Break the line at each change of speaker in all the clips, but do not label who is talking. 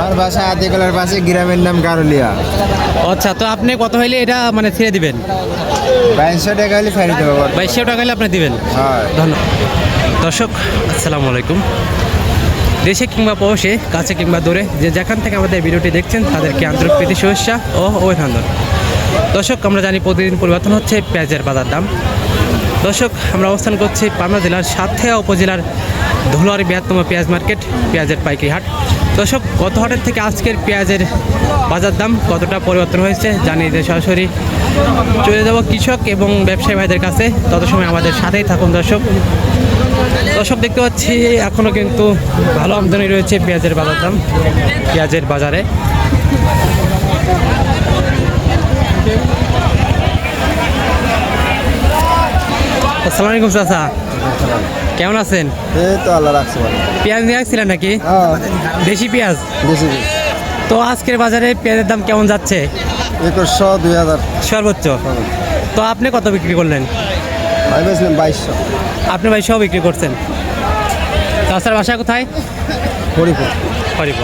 আমার বাসা আদিকলার পাশে, গ্রামের নাম গারুলিয়া।
আচ্ছা, তো আপনি কত হইলে এটা মানে ছেড়ে দিবেন?
2200 টাকা হলে ফেরি দেবো।
2200 টাকা হলে আপনি দিবেন?
হ্যাঁ।
ধন্যবাদ। দর্শক আসসালামু আলাইকুম। দেশে কিংবা প্রবাসে, কাছে কিংবা দূরে, যে যেখান থেকে আমাদের ভিডিওটি দেখছেন তাদেরকে আন্তরিক প্রীতি শুভেচ্ছা ও অভিনন্দন। দর্শক, আমরা জানি প্রতিদিন পরিবর্তন হচ্ছে পেঁয়াজের বাজার দাম। দর্শক, আমরা অবস্থান করছি পাবনা জেলার সাতক্ষীরা উপজেলার ধুলার বৃহত্তম পেঁয়াজ মার্কেট, পেঁয়াজের পাইকারি হাট। দর্শক, গত হাটের থেকে আজকের পেঁয়াজের বাজার দাম কতটা পরিবর্তন হয়েছে জানিয়ে দিয়ে সরাসরি চলে যাব কৃষক এবং ব্যবসায়ী ভাইদের কাছে। তত সময় আমাদের সাথেই থাকুন দর্শক। দর্শক, দেখতে পাচ্ছি এখনও কিন্তু ভালো আমদানি রয়েছে পেঁয়াজের বাজার দাম, পেঁয়াজের বাজারে। আসসালামু আলাইকুম চাচা, কেমন আছেন?
এই তো আল্লাহ রাখছে ভালো।
পেঁয়াজ নিয়ে আসছিলেন নাকি?
হ্যাঁ,
দেশি পেঁয়াজ।
বেশি।
তো আজকের বাজারে পেঁয়াজের দাম কেমন যাচ্ছে?
2100, 2000
সর্বোচ্চ। তো আপনি কত বিক্রি করলেন?
আমি বেচলাম 2200।
আপনি ভাই সব বিক্রি করছেন? চাচার বাসা কোথায়?
হরিপুর।
হরিপুর।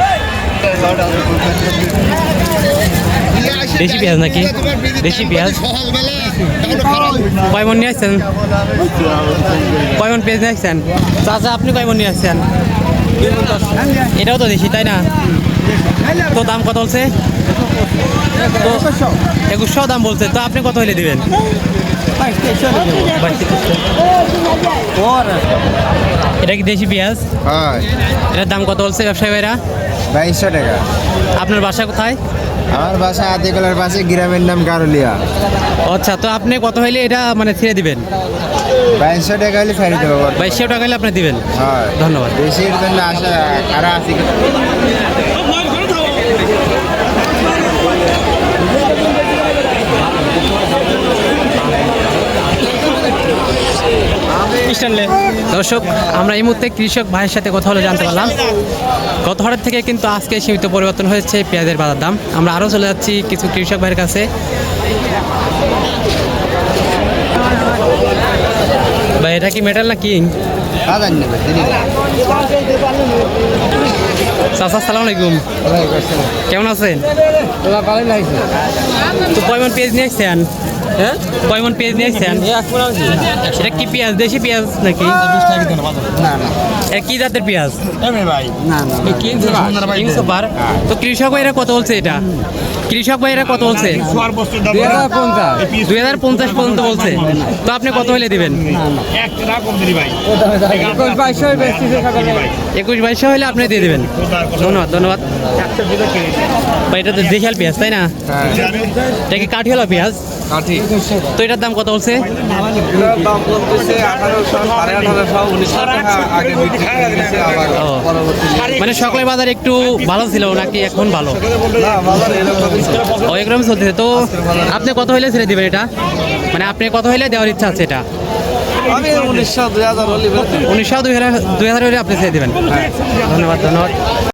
দেশি পেঁয়াজ নাকি? দেশি পেঁয়াজ কয় মন নিয়ে আসছেন? কয় মন পেঁয়াজ নিয়ে আসছেন? চাচা আপনি কয় মন নিয়ে আসছেন? এটাও তো দেশি, তাই না? তো দাম কত বলছে? 2100 দাম বলছে। তো আপনি কত হলে দিবেন? এটা কি দেশি পেঁয়াজ?
হ্যাঁ,
এটার দাম কত বলছে ব্যবসায়ী ভাইরা?
2200 টাকা।
আপনার বাসা কোথায়?
আমার বাসা আদিকলার পাশে, গ্রামের নাম গারুলিয়া।
আচ্ছা, তো আপনি কত হইলে এটা মানে ছেড়ে দিবেন?
2200 টাকা হলে ফেরি দেবো।
2200 টাকা হলে আপনি দিবেন?
হ্যাঁ,
ধন্যবাদ।
বেশির জন্য আশা কারা আছে।
দর্শক, আমরা এই মুহূর্তে কৃষক ভাইয়ের সাথে কথা বলে জানতে পারলাম গত হাটের থেকে কিন্তু আজকে সীমিত পরিবর্তন হয়েছে পেঁয়াজের বাজার দাম। আমরা আরও চলে যাচ্ছি কিছু কৃষক ভাইয়ের কাছে। ভাই, এটা কি মেটাল না কিং? চাচা আসসালামু আলাইকুম, কেমন আছেন? তো কয় মন পেঁয়াজ নিয়ে আসছেন? হ্যাঁ, কয় মন পেঁয়াজ নিয়ে আসছেন? সেটা কি পেঁয়াজ? দেশি পেঁয়াজ নাকি? কি জাতের পেঁয়াজ? King super. তো কৃষক ভাইরা কত বলছে এটা? কৃষক ভাইরা কত বলছে? 2050 পর্যন্ত বলছে। তো আপনি কত হলে দিবেন? 21-2200 হলে আপনি দিয়ে দেবেন। ধন্যবাদ, ধন্যবাদ। ভাই, এটা তো দেশাল পেঁয়াজ, তাই না? এটা কি কাঠিওয়ালা পেঁয়াজ? তো এটার দাম কত বলছে? মানে সকালের বাজার একটু ভালো ছিল নাকি এখন ভালো? এরকম চলতেছে। তো আপনি কত হইলে ছেড়ে দিবেন এটা? মানে আপনি কত হইলে দেওয়ার ইচ্ছা আছে এটা? 1900-2000 হলে আপনি ছেড়ে দেবেন। ধন্যবাদ, ধন্যবাদ।